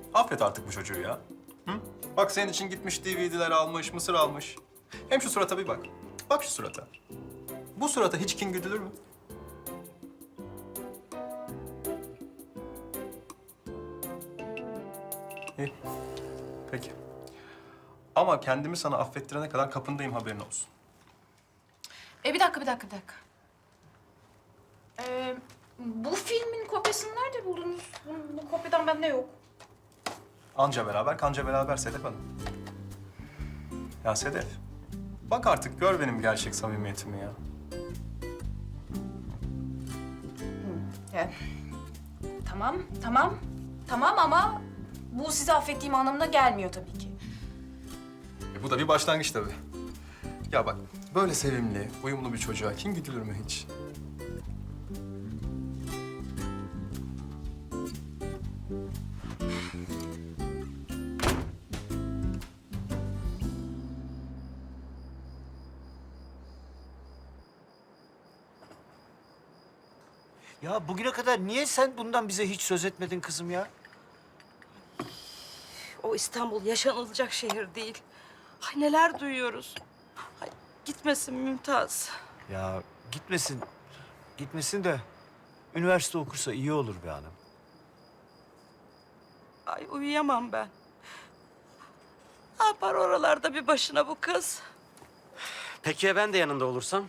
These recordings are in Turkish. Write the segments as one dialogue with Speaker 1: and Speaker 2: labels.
Speaker 1: Affet artık bu çocuğu ya. Hı? Bak senin için gitmiş DVD'ler almış, mısır almış. Hem şu surata bir bak. Bak şu surata. Bu surata hiç kin güdülür mü? İyi. Peki. Ama kendimi sana affettirene kadar kapındayım, haberin olsun.
Speaker 2: Bir dakika. Bu filmin kopyasını nerede buldunuz? Bu kopyadan bende yok.
Speaker 1: Anca beraber, kanca beraber Sedef Hanım. Ya Sedef, bak artık gör benim gerçek samimiyetimi ya.
Speaker 2: Ya, tamam ama bu sizi affettiğim anlamına gelmiyor tabii ki.
Speaker 1: Bu da bir başlangıç tabii. Ya bak, böyle sevimli, uyumlu bir çocuğa kim güdülür mü hiç?
Speaker 3: Ya bugüne kadar niye sen bundan bize hiç söz etmedin kızım ya?
Speaker 4: O İstanbul yaşanılacak şehir değil. Ay neler duyuyoruz. Ay, gitmesin Mümtaz.
Speaker 3: Ya gitmesin, gitmesin de üniversite okursa iyi olur be hanım.
Speaker 4: Ay uyuyamam ben. Ne yapar oralarda bir başına bu kız?
Speaker 5: Peki ya ben de yanında olursam?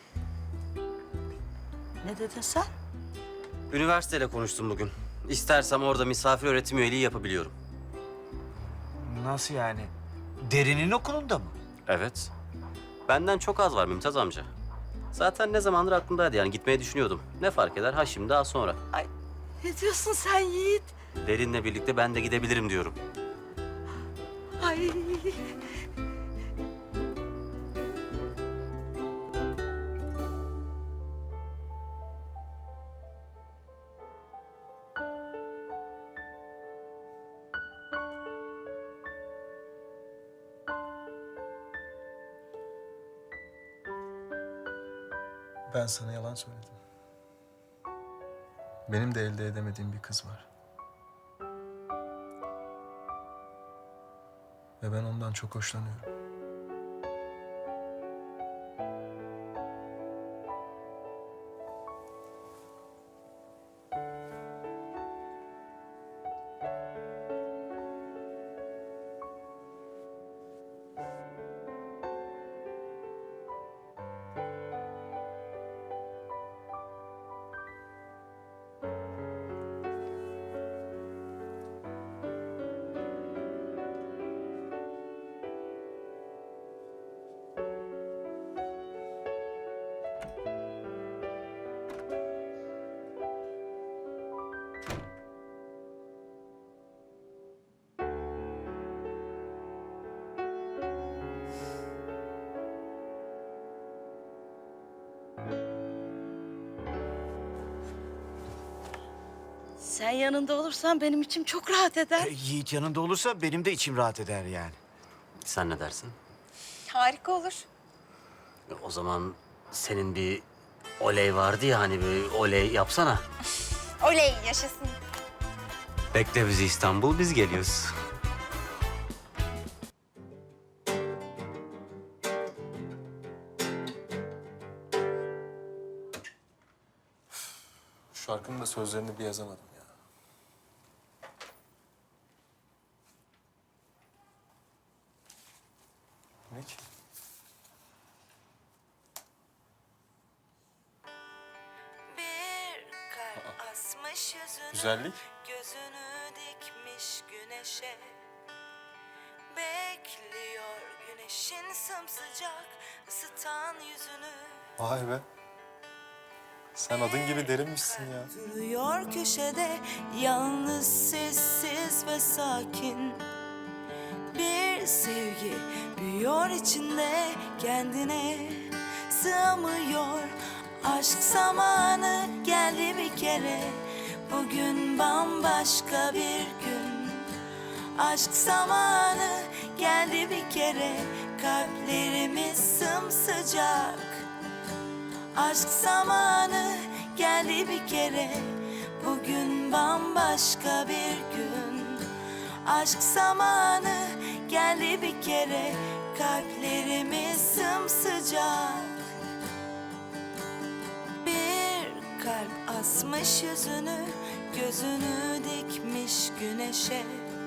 Speaker 4: Ne dedin sen?
Speaker 5: Üniversiteyle konuştum bugün. İstersem orada misafir öğretim üyeliği yapabiliyorum.
Speaker 3: Nasıl yani? Derinin okulunda mı?
Speaker 5: Evet. Benden çok az var Mümtaz amca. Zaten ne zamandır aklımdaydı, yani gitmeyi düşünüyordum. Ne fark eder, ha şimdi ha sonra.
Speaker 4: Ay ne diyorsun sen Yiğit?
Speaker 5: Derin'le birlikte ben de gidebilirim diyorum.
Speaker 4: Ay
Speaker 1: Ben sana yalan söyledim. Benim de elde edemediğim bir kız var. Ve ben ondan çok hoşlanıyorum.
Speaker 4: sen yanında olursan benim içim çok rahat eder.
Speaker 3: Yiğit yanında olursa benim de içim rahat eder yani.
Speaker 5: Sen ne dersin?
Speaker 2: Harika olur.
Speaker 5: O zaman senin bir oley vardı ya, hani bir oley yapsana.
Speaker 2: Oley yaşasın.
Speaker 5: Bekle bizi İstanbul, biz geliyoruz.
Speaker 1: Şu şarkının da sözlerini bir yazamadım ya. Ne ki?
Speaker 6: Bir kalp asmış yüzünü,
Speaker 1: Güzellik.
Speaker 6: gözünü dikmiş güneşe. Bekliyor güneşin sımsıcak ısıtan yüzünü.
Speaker 1: Vay be. Sen adın gibi derinmişsin ya.
Speaker 6: Duruyor köşede yalnız, sessiz ve sakin. Bir sevgi büyüyor içinde, kendine sığamıyor. Aşk zamanı geldi bir kere, bugün bambaşka bir gün. Aşk zamanı geldi bir kere, kalplerimiz sımsıcak. Aşk zamanı geldi bir kere, bugün bambaşka bir gün. Aşk zamanı geldi bir kere, kalplerimiz sımsıcak. Bir kalp asmış yüzünü, gözünü dikmiş güneşe.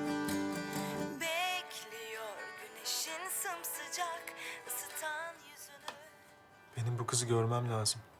Speaker 6: Bekliyor güneşin sımsıcak ısıtan yüzünü.
Speaker 7: Benim bu kızı görmem lazım.